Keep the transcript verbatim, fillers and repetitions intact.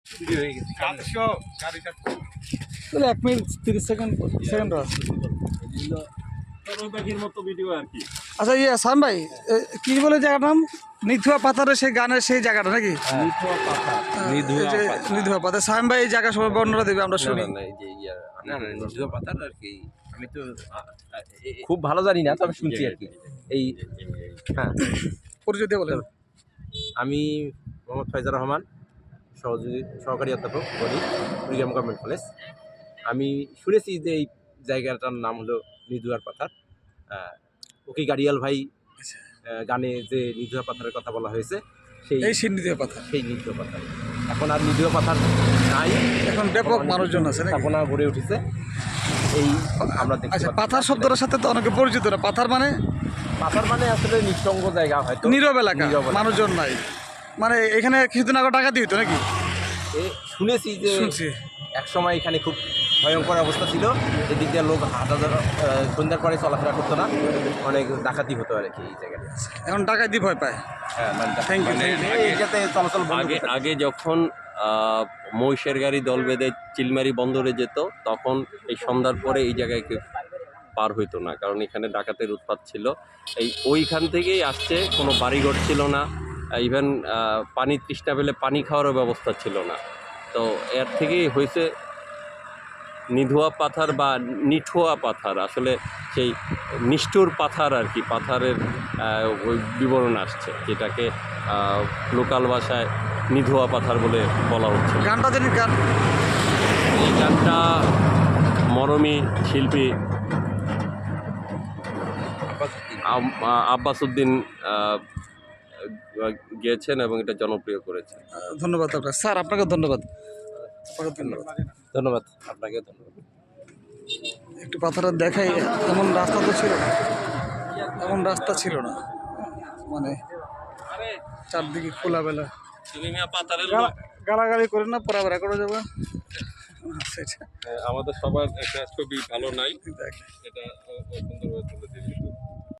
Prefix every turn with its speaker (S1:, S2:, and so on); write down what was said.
S1: তাহলে এক মিনিট তিরিশ সেকেন্ড সেকেন্ড আছে। আচ্ছা ইয়ে সাম ভাই কি বলে জায়গার নাম? নিথুয়া পাথারের সেই গানের সেই জায়গাটা নাকি? নিথুয়া পাথার। সাম ভাই এই জায়গা সবাই বর্ণনা দেবে, আমরা শুনি।
S2: নিথুয়া পাথার আর কি, আমি তো খুব ভালো জানি না, তবে শুনছি আর কি। এই হ্যাঁ,
S1: পরিচয় দিয়ে বলেন।
S2: আমি মোহাম্মদ ফয়জার রহমান, সহযোগী সহকারী অধ্যাপক বলি, কুড়িগ্রাম গভর্নমেন্ট কলেজ। আমি শুনেছি যে এই জায়গাটার নাম হলো নিধুয়ার পাথার। ওকে গাড়িয়াল ভাই গানে যে নিধুয়া পাথারের কথা বলা হয়েছে, সেই
S1: সেই নিধুয়া পাথার,
S2: সেই নিধুয়া পাথার। এখন আর নিধুয়া পাথার নাই,
S1: এখন ব্যাপক মানুষজন আছে,
S2: স্থাপনা গড়ে উঠেছে। এই আমরা দেখি।
S1: আচ্ছা, পাথার শব্দটার সাথে তো অনেকে পরিচিত না। পাথার মানে?
S2: পাথার মানে আসলে নিঃসঙ্গ জায়গা, হয়তো
S1: নীরব এলাকা, মানুষজন নাই। মানে এখানে কিছুদিন আগে টাকা দিত নাকি?
S2: শুনেছি যে
S1: শুনছি
S2: এক সময় এখানে খুব ভয়ঙ্কর অবস্থা ছিল, এদিক দিয়ে লোক হাজার সন্ধ্যার পরে চলাফেরা করতো না, অনেক ডাকাতি হতো আর কি এই জায়গাটা।
S1: এখন ডাকাতি ভয় পায়।
S2: হ্যাঁ, থ্যাংক ইউ। এইটাতে চলাচল
S3: আগে আগে যখন মহিষের গাড়ি দল বেঁধে চিলমারি বন্দরে যেত, তখন এই সন্ধ্যার পরে এই জায়গায় কেউ পার হইতো না, কারণ এখানে ডাকাতের উৎপাত ছিল। এই ওইখান থেকেই আসছে, কোনো বাড়িঘর ছিল না, ইভেন পানি তৃষ্ণা পেলে পানি খাওয়ারও ব্যবস্থা ছিল না। তো এর থেকেই হয়েছে নিধুয়া পাথার বা নিঠুয়া পাথার, আসলে সেই নিষ্ঠুর পাথার আর কি, পাথারের ওই বিবরণ আসছে, যেটাকে লোকাল ভাষায় নিধুয়া পাথার বলে বলা হচ্ছে।
S1: গানটা জানি গান,
S3: এই গানটা মরমী শিল্পী আব্বাস উদ্দিন গেয়েছেন এবং এটা জনপ্রিয় করেছেন।
S1: ধন্যবাদ আপনার স্যার, আপনাকে ধন্যবাদ। ধন্যবাদ
S2: ধন্যবাদ আপনাকে ধন্যবাদ।
S1: একটু পাথরের দেখাই, এমন রাস্তা তো ছিল না, এমন রাস্তা ছিল না, মানে চারদিকে খোলাবেলা। গালাগালি করে না, পড়া বেড়া করে যাবে।
S3: আমাদের সবার একটা ছবি ভালো নাই, এটা সুন্দরভাবে তুলে দিবি।